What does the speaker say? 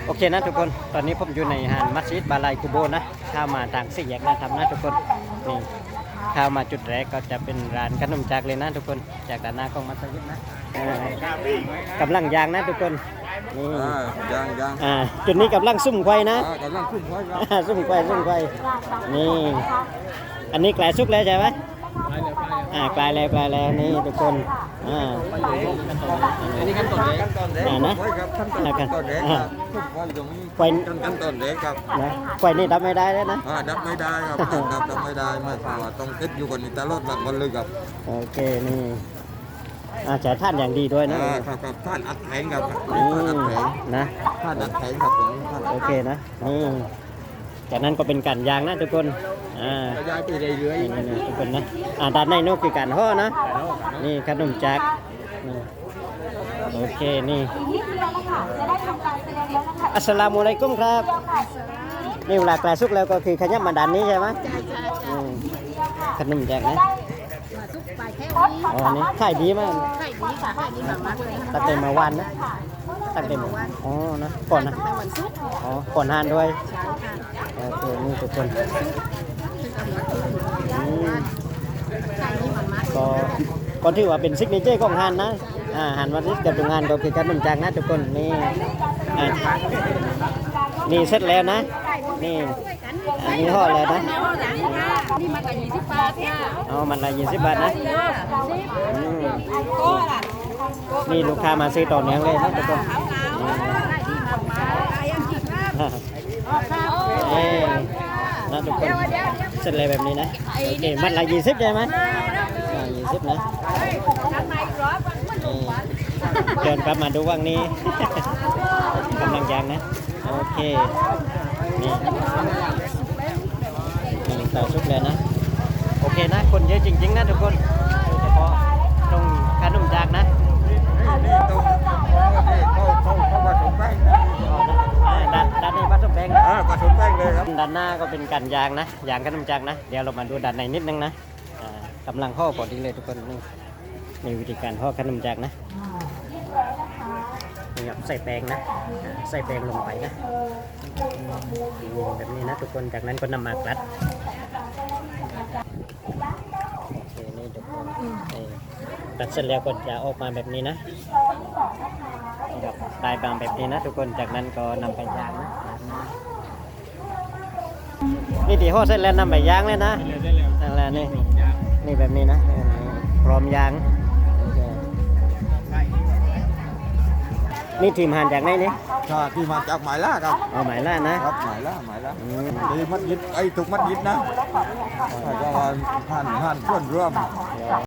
โอเคนะทุกคนตอนนี้ผมอยู่ในหาดมัสยิดบาลัยกูโบนะข้ามมาทางสี่แยกนะทำนะทุกคนนี่ข้ามมาจุดแรกก็จะเป็นร้านขนมจากเลยนะทุกคนจากด้านหน้าของมัสยิดนะกำลังยางนะทุกคนนี่ยังจุดนี้กำลังซุ่มไฟนะกำลังขึ้นไว้ครับซุ่มไฟนี่อันนี้กลายสุกแล้วใช่ไหมกลายแล้วนี่ทุกคนอันนี้ขั้นตอนเล็กนะครับขั้นตอนเล็กครับขึ้นไว้ตรงนี้ขั้นตอนเล็กครับนะไฟนี่ดับไม่ได้แล้วนะดับไม่ได้ครับดับไม่ได้ไม่พอต้องติดอยู่กันนี้ตลอดหลังวันเลยครับโอเคนี่ใช้ท่านอย่างดีด้วยนะครับท่านอัดแข็งครับท่านอัดแข็งนะท่านอัดแข็งครับตรงนี้โอเคนะนี่จากนั้นก็เป็นการยางนะทุกคนย้ายไปเรื่อยๆทุกคนนะด้านในนู้นคือการห่อนะนี่ขนมจักรโอเคนี่อัสสลามุอะลัยกุมครับนี่เวลากลายสุกแล้วก็คือขยับมาด้านนี้ใช่ไหมขนมจักรนะอ๋อนี่ขายดีมากขายดีค่ะขายดีมากๆเลยตั้งแต่มาวันนะตั้งแต่มาอ๋อนะก่อนนะตั้งแต่วันศุกร์อ๋อก่อนทานด้วยใช่ค่ะโอเคนี่ทุกคนขายดีมากๆก็ก็ถือว่าเป็นซิกเนเจอร์ของฮานนะฮานวันนี้กับโรงงานก็คือขนมจังนะทุกคนนี่นี่เสร็จแล้วนะนี่อันนี้ห่อแล้วนะนี่มันละ20 บาทค่ะอ๋อมันละ20 บาทนะนี่ลูกค้ามาซื้อต่อเนื่องเลยนะทุกคนนะทุกคนเสร็จเลยแบบนี้นะโอเคมันละ20ใช่ไหม20นะเดินกลับมาดูว่างนี้กำลังยางนะโอเคนี่ต่อชุบเลยนะโอเคนะคนเยอะจริงๆนะทุกคนโดยเฉพาะตรงขนมจากนะนี่ตรงเขาผสมแป้งด้านในผสมแป้งผสมแป้งเลยครับด้านหน้าก็เป็นการยางนะยางขนมจากนะเดี๋ยวเรามาดูด้านในนิดนึงนะกำลังห่อพอดีเลยทุกคนนี่วิธีการห่อขนมจากนะนี่ครับใส่แป้งนะใส่แป้งลงไปนะแบบนี้นะทุกคนจากนั้นก็นำมากรัดโอเคนี่ทุกคนตัดเสร็จแล้วก็จะออกมาแบบนี้นะได้บางแบบนี้นะทุกคนจากนั้นก็นำไปย่างนะนี่ตีห่อเสร็จแล้วนำไปย่างเลยนะนั่นแหละนี่แบบนี้นะพร้อมย่างนี่ทีมหานจากไหนนี่ที่มาจากหมายล่าครับหมายล่านะครับหมายล่าดีมัดยิดไอ้ถูกมัดยิดนะก็ห่านเพื่อนร่วม